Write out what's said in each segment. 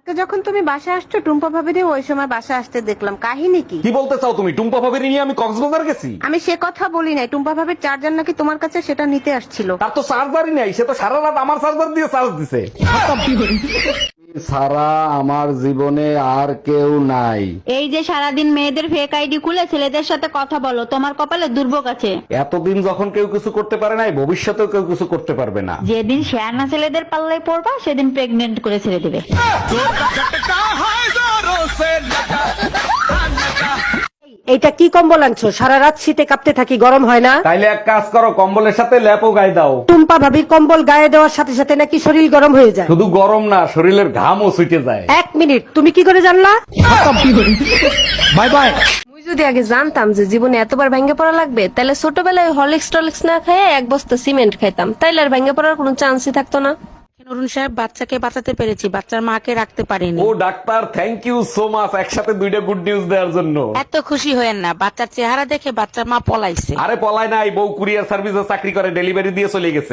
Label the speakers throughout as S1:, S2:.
S1: তো যখন তুমি বাসা আসছো টুম্পা ভাবিরে ওই সময় বাসা আসতে দেখলাম, কাহিনী কি?
S2: কি বলতে চাও তুমি? টুম্পা ভাবির নিয়ে আমি কক্সবাজার গেছি?
S1: আমি সে কথা বলি নাই, টুম্পা ভাবির চার্জার নাকি তোমার কাছে, সেটা নিতে আসছিল।
S2: তার তো চার্জারই নাই, সে তো সারা রাত আমার চার্জার দিয়ে চার্জ দিছে। সারা আমার জীবনে আর কেউ নাই।
S3: এই যে সারাদিন মেয়েদের ফেক আইডি খুলে ছেলেদের সাথে কথা বলো, তোমার কপালে দুর্ভোগ আছে।
S2: এতদিন যখন কেউ কিছু করতে পারে নাই, ভবিষ্যতেও কেউ কিছু করতে পারবে না।
S3: যেদিন শেয়ানা ছেলেদের পাল্লায় পড়বা সেদিন প্রেগনেন্ট করে ছেড়ে দেবে।
S4: এইটা কি কম্বল আনছো? সারা রাত শীতে কাঁপতে থাকি, গরম হয় না?
S2: তাইলে এক কাজ করো, কম্বলের সাথে ল্যাপও গায়ে দাও।
S4: টুম্পা ভাবির কম্বল গায়ে দেওয়ার সাথে সাথে নাকি শরীর গরম হয়ে যায়।
S2: শুধু গরম না, শরীরের ঘামও ছুটে যায়।
S4: এক মিনিট, তুমি কি করে জানলা?
S2: Bye bye.
S5: মুই যদি আগে জানতাম যে জীবনে এতবার ভেঙে পড়া লাগবে, তাহলে ছোটবেলায় হরলিক্স টলিক্স না খেয়ে এক বস্তা সিমেন্ট খাইতাম, তাইলে আর ভেঙে পড়ার কোনো চান্সই থাকতো না।
S1: অরুণ সাহেব, বাচ্চাকে বাঁচাতে পেরেছি, বাচ্চার মাকে রাখতে পারিনি।
S2: ও doctor, thank you so much, একসাথে দুইটা গুড নিউজ দেওয়ার জন্য।
S1: এত খুশি হয়েন না, বাচ্চার চেহারা দেখে বাচ্চার মা পলাইছে।
S2: আরে পলায় নাই, বউ কুরিয়ার সার্ভিসে চাকরি করে, ডেলিভারি দিয়ে চলে গেছে।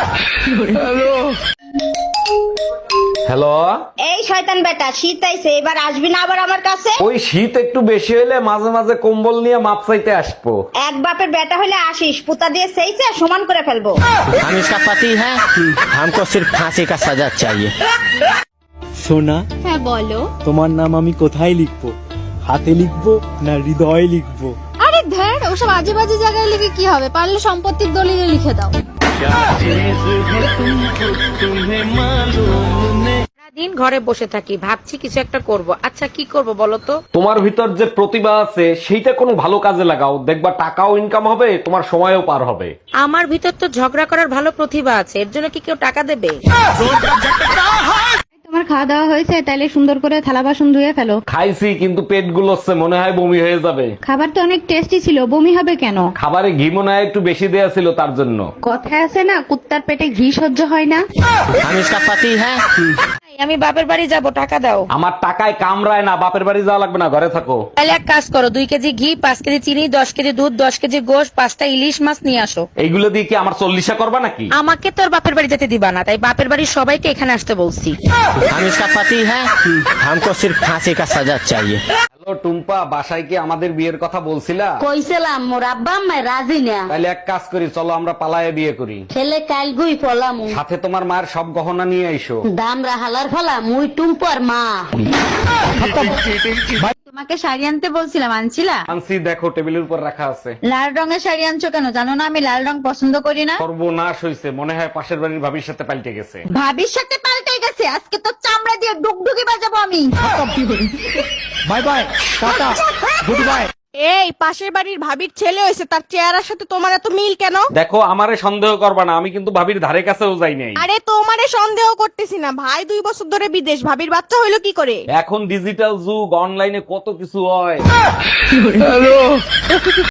S2: হ্যালো,
S3: এই শয়তান বেটা, শীত আইছে, এবার আসবি না আবার আমার কাছে?
S2: ওই শীত একটু বেশি হলে মাঝে মাঝে কম্বল নিয়ে মাপ চাইতে আসবো।
S3: এক বাপের বেটা হলে আসিস, পুতা দিয়ে সেইছে সমান করে ফেলবো।
S6: हम इसका पति है, हमको सिर्फ फांसी का सजा चाहिए।
S7: সোনা,
S3: হ্যাঁ বলো।
S7: তোমার নাম আমি কোথায় লিখবো? হাতে লিখবো না হৃদয়ে লিখবো?
S8: আরে ধ্যান, ওসব আজে বাজে জায়গায় লিখে কি হবে? পারলে সম্পত্তির দলিলে লিখে দাও।
S1: সারাদিন ঘরে বসে থাকি, ভাবছি কিছু একটা করব। আচ্ছা কি করব বলো তো?
S2: তোমার ভিতর যে প্রতিভা আছে সেইটা কোনো ভালো কাজে লাগাও, দেখবা টাকাও ইনকাম হবে, তোমার সময়ও পার হবে।
S1: আমার ভিতর তো ঝগড়া করার ভালো প্রতিভা আছে, এর জন্য কি কেউ টাকা দেবে?
S3: তোমার খাওয়া দাওয়া হয়েছে? তাইলে সুন্দর করে থালা বাসন ধুয়ে ফেলো।
S2: খাইছি, কিন্তু পেট গুলোচ্ছে, মনে হয় বমি হয়ে যাবে।
S3: খাবার তো অনেক টেস্টি ছিল, বমি হবে কেন?
S2: খাবারে ঘি মনে হয় একটু বেশি দেয়া ছিল, তার জন্য।
S3: কথায় আছে না, কুত্তার পেটে ঘি সহ্য হয় না।
S6: हम इसका पति है।
S1: আমি বাপের বাড়ি যাব, টাকা দাও।
S2: আমার টাকায় কামড়ায় না, বাপের বাড়ি যাওয়া লাগবে না, ঘরে থাকো।
S1: তাহলে এক কাজ করো, 2 কেজি ঘি, 5 কেজি চিনি, 10 কেজি দুধ, 10 কেজি গোশ, 5টা ইলিশ মাছ নিয়ে আসো।
S2: এইগুলো দিয়ে কি আমার 40 করবা নাকি?
S1: আমাকে তোর বাপের বাড়ি যেতে দিবা না, তাই বাপের বাড়ির সবাইকে এখানে আসতে বলছি।
S6: हम इसका पति है, हमको सिर्फ फांसी का सजा चाहिए।
S2: হ্যালো টুম্পা, বাসায় কি আমাদের বিয়ের কথা বলছিলা?
S3: কইছিলাম, মোর আব্বা আম্মা রাজি না।
S2: তাহলে এক কাজ করি, চলো আমরা পালায়ে বিয়ে করি।
S3: ছেলে কাল গুই ফলামু,
S2: সাথে তোমার মায়ের সব গহনা নিয়ে আইসো।
S3: দামরা হালার ফলা, মুই টুম্পর মা। তোমাকে শাড়ি আনতে বলছিলাম, আনছিলা?
S2: আনছি, দেখো টেবিলের উপর রাখা আছে।
S3: লাল রঙের শাড়ি আনছো কেন? জানো না আমি লাল রং পছন্দ করি না।
S2: সর্বনাশ হইছে, মনে হয় পাশের বাড়ির ভাবির সাথে পাল্টে গেছে।
S3: ভাবির সাথে পাল্টে গেছে, আজকে তো চামড়া দিয়ে ডুগডুগি বাজাবো আমি।
S7: Bye bye, tata, goodbye.
S8: এই পাশের বাড়ির ভাবির ছেলে হয়েছে, তার চেহারার সাথে তোমার এত মিল কেন?
S2: দেখো, আমারে সন্দেহ করবা না, আমি কিন্তু ভাবির ধারে কাছেও যাই নাই।
S8: আরে তোমারে সন্দেহ করতেছি না, ভাই 2 বছর ধরে বিদেশ, ভাবির বাচ্চা হইলো কি করে?
S2: এখন ডিজিটাল যুগ, অনলাইনে কত কিছু হয়।